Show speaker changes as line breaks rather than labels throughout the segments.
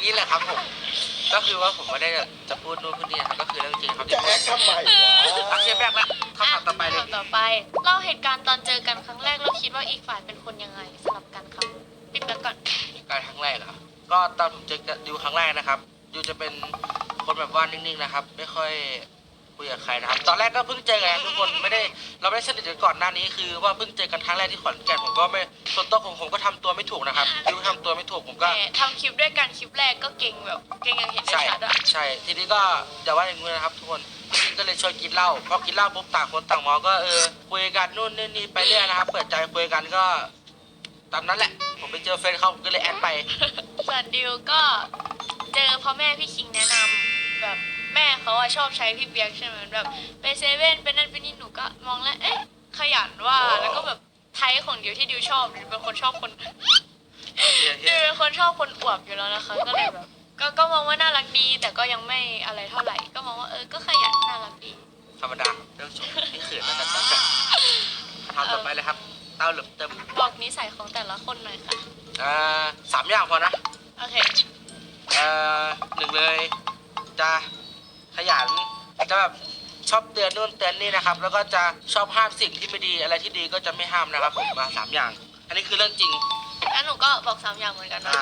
นี้แหละครับผมก็คือว่าผมไม่ได้จะพูดนู่นพูดนี่นะครับก็คือเรื่องจริงครับ
จะแอคทำไมวะ
โอเคแบกแล้วคำถามต่อไปเลย
คำถามต่อไปเล่าเหตุการณ์ตอนเจอกันครั้งแรกแล้วคิดว่าอีกฝ่ายเป็นคนยังไงสลับกันครับปิดแล้วก่อน
การครั้งแรกเหรอก็ตอนผมเจอดิวครั้งแรกนะครับดิวจะเป็นคนแบบว่านิ่งๆนะครับไม่ค่อยคุยกับใครนะครับตอนแรกก็เพิ่งเจอกันทุกคนไม่ได้เราไม่ได้สนิทกันก่อนหน้านี้คือว่าเพิ่งเจอกันครั้งแรกที่ขอนแก่นผมก็ไม่ส่วนตัวของผมก็ทำตัวไม่ถูกนะครับดิวทำตัวไม่ถูกผมก็
แต่ทำคลิปด้วยกันคลิปแรกก็เก่งแบบเก่งอย่างเห็นได้
ใช่
ชัดอะ
ใช่ทีนี้ก็อย่าว่าอย่างนี้นะครับทุกคนพี่ก็เลยชวนกินเหล้าพอกินเหล้าปุ๊บต่างคนต่างเมองก็คุยกันนู่นนี่ไปเรื่อยนะครับเปิดใจคุยกันก็ตามนั้นแหละผมไปเจอเฟรนด์เขาผมก็เลยแอดไป
ส่วนดิวก็เจอพ่อแม่พี่คิงแนะนำแบบแม่เขาอะชอบใช้พี่เปียกใช่ไหมแบบไปเซเว่นเป็นนั่นเป็นนี่หนูก็มองแล้วเอ๊ะขยันว่าแล้วก็แบบไทยของดิวที่ดิวชอบดิวเป็นคนชอบคนดิวเป็นคนชอบคนอวบอยู่แล้วนะคะก็เลยแบบก็มองว่าน่ารักดี แต่ก็ยังไม่อะไรเท่าไหร่ก็มองว่าก็ขยันน่ารักดี
ธรรมดาเรื่องชมนี่เขินแล้วกันครับทำต่อไปเลยครับเต้าเหลือเติม
บอกนิสัยของแต่ละคนหน่อยค่ะ
3 อย่างพอนะ
โอเค
หนึ่งเลยจะขยันจะแบบชอบเตือนนู่นเตือนนี่นะครับแล้วก็จะชอบห้ามสิ่งที่ไม่ดีอะไรที่ดีก็จะไม่ห้ามนะครับผมมา3 อย่าง อันนี้คือเรื่องจริง
แล้วหนูก็บอก3 อย่างเหมือนกันนะ
อ่า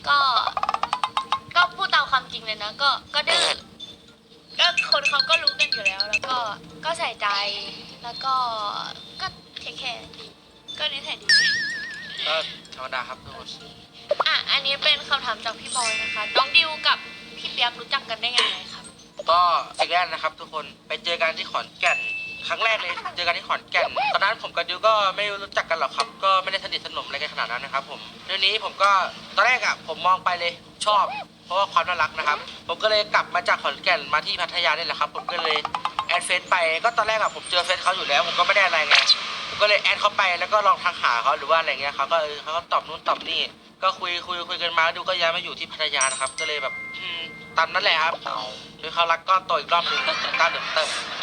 ก็พูดตามความจริงเลยนะ ก็ดื้อก็คนเขาก็รู้กันอยู่แล้ว แล้วก็ใส่ใจ แล้วก็เทคแคร์ดีก็นิสัยดี
ก็ธรรมดาครับทุกคน
อันนี้เป็นคำถามจากพี่บอยนะคะ น้องดิวกับพี่เปียกรู้จักกันได้ยังไงครับ
ก็สิ่งแรกนะครับทุกคนไปเจอกันที่ขอนแก่นครั้งแรกเลยเจอกันที่ขอนแก่นตอนนั้นผมกับดิวก็ไม่รู้จักกันหรอกครับก็ไม่ได้สนิทสนมอะไรกันขนาดนั้นนะครับผมเรื่องนี้ผมก็ตอนแรกผมมองไปเลยชอบ เพราะว่าความน่ารักนะครับผมก็เลยกลับมาจากขอนแก่นมาที่พัทยานี่แหละครับผมก็เลยแอดเฟซไปก็ตอนแรกผมเจอเฟซเขาอยู่แล้วผมก็ไม่ได้อะไรไงผมก็เลยแอดเขาไปแล้วก็ลองทักหาเขาหรือว่าอะไรเงี้ยเขาก็เขาก็ตอบนู่นตอบนี่ก็คุยกันมาดูก็ย้ายมาอยู่ที่พัทยานะครับก็เลยแบบตามนั้นแหละครับคือเขารักก้อนโตอีกรอบหนึงต้าเดิมเติม